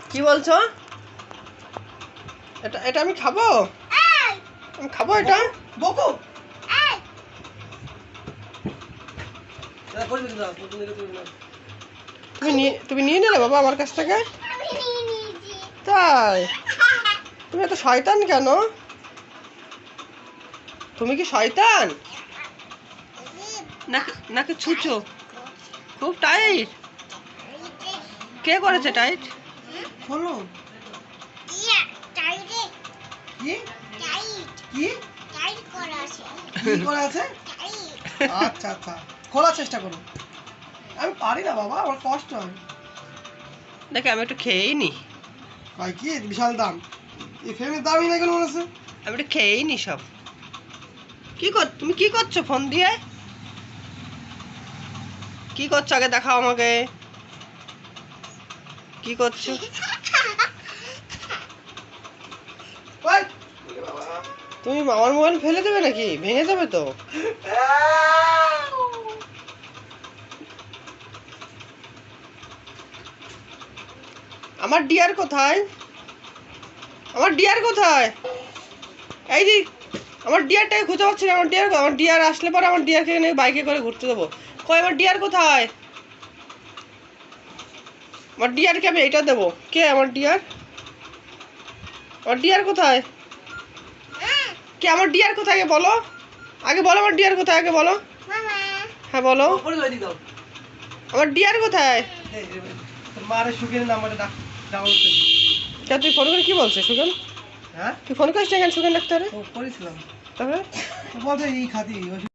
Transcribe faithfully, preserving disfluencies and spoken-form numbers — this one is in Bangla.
কি বলছো? এটা এটা আমি খাবো? আমি খাবো এটা? বকো তুমি নিয়ে তুমি নিয়ে নিলে বাবা আমার কাছ থেকে? তাই? তুমি এত শয়তান কেন? তুমি কি শয়তান নাকি নাকি ছুঁচো? খুব টাইট। কে করেছে টাইট? খোলো। কি কি কি করা আছে? আচ্ছা আচ্ছা খোলার চেষ্টা করো। আমি পারি না বাবা, আমার কষ্ট হয়। দেখে আমি একটু খেয়েই নি। ভাই কি বিশাল দাম, এই ফ্রেমের দামই না কেন মনে হচ্ছে? আমি একটু খেয়েই নি সব। কি কর তুমি কি করছো ফোন দিয়ে? কি করছো আগে দেখাও আমাকে। কি করছো? ওই তুমি আমার মোবাইল ফেলে দেবে নাকি? ভেঙে যাবে তো। আমার ডিয়ার কোথায়? আমার ডিয়ার কোথায়? এই যে আমার ডিয়ারটাকে খুঁজে পাচ্ছি না। আমার ডিয়ার আমার ডিয়ার আসলে পরে আমার ডিয়ারকে নিয়ে বাইকে করে ঘুরতে দেবো। কই আমার ডিয়ার কোথায়? আমার ডিয়ারকে আমি এইটা দেবো। কে আমার ডিয়ার? আমার ডিয়ার কোথায়? কে আমার ডিয়ার কোথায় আগে বলো। আগে বলো আমার ডিয়ার কোথায় আগে বলো। হ্যাঁ বলো। আমার ডিয়ার কোথায়? মারে সুখের নাম্বারে ডাউনলোড করে। তা তুই ফোন করে কি বলছিস সুগেন? হ্যাঁ তুই ফোন করিস না কেন সুগেন ডাক্তারে? ও করেছিলাম, তারপরে বলতে এই খাতি